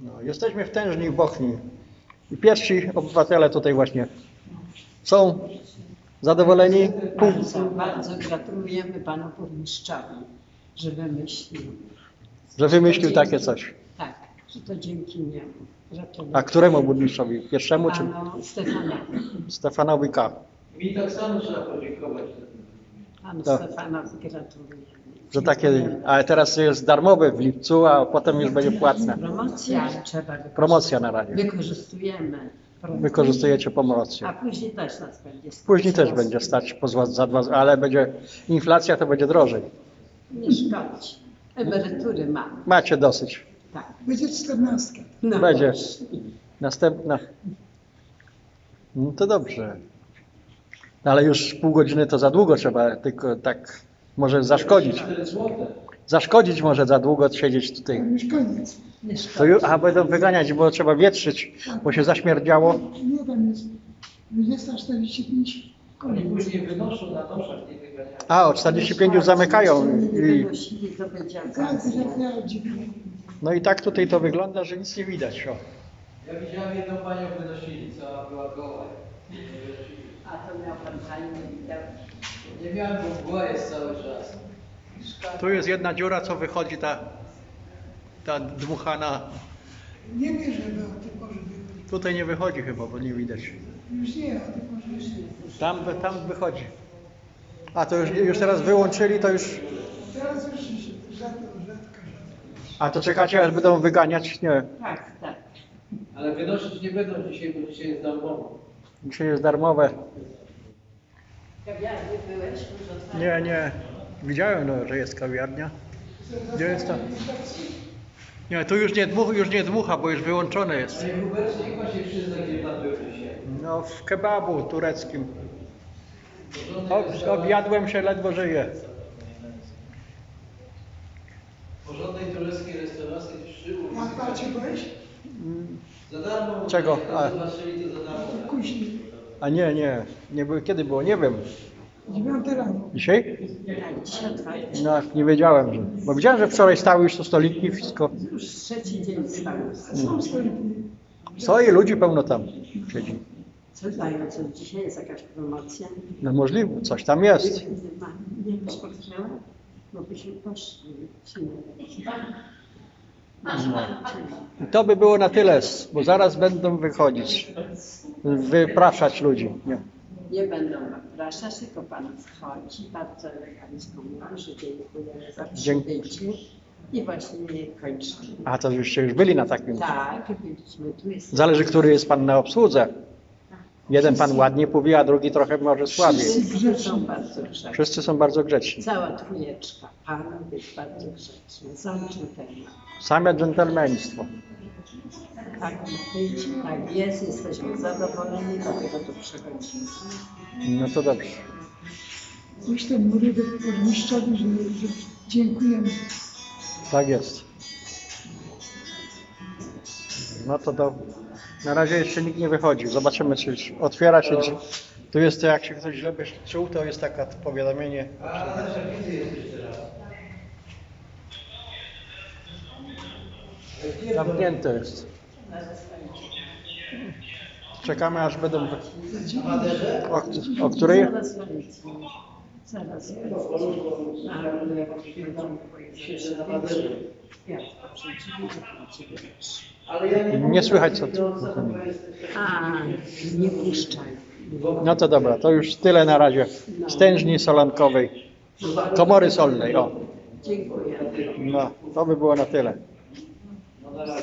No, jesteśmy w Tężni w Bochni i pierwsi obywatele tutaj właśnie są zadowoleni. Bardzo gratulujemy panu burmistrzowi, że wymyślił. Że wymyślił takie coś. Tak, że to dzięki niemu. A któremu burmistrzowi? Pierwszemu czy Panu Stefanowi. Stefanowi K? Mi tak samo trzeba podziękować. Panu Tak. Stefanowi gratulujemy. Że takie, ale teraz jest darmowe w lipcu, a potem już będzie płatne. Promocja trzeba wykorzystać. Promocja na razie. Wykorzystujemy. promocję, Wykorzystujecie A promocję. później też nas będzie stać. Później też będzie stać za dwa, ale będzie inflacja, to będzie drożej. Nie szkodzi. Emerytury mamy. Macie dosyć. Tak. Będzie 14. No Będzie. właśnie. Następna. No to dobrze. Ale już pół godziny to za długo trzeba, tylko tak może zaszkodzić. 4 złote. Zaszkodzić może za długo siedzieć tutaj. Już koniec. Nie To szkodzi. już, a będą wyganiać, bo trzeba wietrzyć, bo się zaśmierdziało. Nie, tam jest 20:45. Oni Koniec. później wynoszą na noszach, nie wyganiają. A, o 45 już zamykają. Nie I, wynosili, to będzie Tak, okazja. jak ja dziwnie. no i tak tutaj to wygląda, że nic nie widać. O. Ja widziałem jedną panią wynosili, co była goła. A to miał pan fajnie widać. Nie miałem, bo mgła jest cały czas. Tu jest jedna dziura, co wychodzi ta dmuchana. Nie wierzę, że o tej porze wychodzi. Tutaj nie wychodzi chyba, bo nie widać. Już nie, o tej porze już nie. Tam wychodzi. A to już teraz wyłączyli, to już. Teraz już rzadko. A to czekacie, aż będą wyganiać? Nie. Tak, tak. Ale wynosić nie będą dzisiaj, bo dzisiaj jest darmowo. Dzisiaj jest darmowe. Kawiarni byłeś? Może otwarte? Nie. Widziałem, no, że jest kawiarnia. Gdzie jest to? Nie, tu już nie dmucha, bo już wyłączone jest. Panie Hubercie, niech pan się przyzna, gdzie pan był dzisiaj. No w kebabu tureckim. Porządnej Objadłem się, ledwo żyję. porządnej tureckiej restauracji 3 ulicy. A patrzcie, byłeś? Za darmo. Czego? Jak zobaczyli, to za darmo. Później. A nie było, kiedy było, nie wiem. 9 rano. Dzisiaj? Tak, dzisiaj otwarte. No, nie wiedziałem, bo widziałem, że wczoraj stały już tu stoliki, wszystko. Już trzeci dzień stało. Są stoliki. Stoi, ludzi pełno tam siedzi. Co dają? Co dzisiaj jest jakaś promocja? No możliwe, coś tam jest. Nie wiem, spotkała? Bo byśmy poszli. I to by było na tyle, bo zaraz będą wychodzić, wypraszać ludzi. Nie. Nie będą zapraszać, tylko pan wchodzi, bardzo elegancko mówi, że dziękujemy za przybycie i właśnie kończymy. A to żeście już byli na takim. Tak, byliśmy tu. Jest Zależy, który jest pan na obsłudze. Jeden pan ładnie mówi, a drugi trochę może słabiej. Wszyscy są bardzo grzeczni. Wszyscy są bardzo grzeczni. Cała trójeczka panów jest bardzo grzeczna. Są dżentelmeni. Same dżentelmeństwo. Tak ma być, tak jest, jesteśmy zadowoleni, dlatego tu przychodzimy. No to dobrze. Już ten mówię do burmistrzowi, że dziękujemy. Tak jest. No to na razie jeszcze nikt nie wychodzi. Zobaczymy, czy już otwiera się. Tu jest to, jak się ktoś źle by czuł, to jest takie powiadomienie. A na naszej wizy jesteś teraz. Zamknięte jest. Czekamy, aż będą. O której? Zaraz będzie. Zaraz będzie. Ale jak się światło przeciwnie, Ale ja Nie słychać co. A, nie puszczaj. No to dobra, to już tyle na razie. Stężni solankowej. Komory solnej. O. Dziękuję. No, to by było na tyle.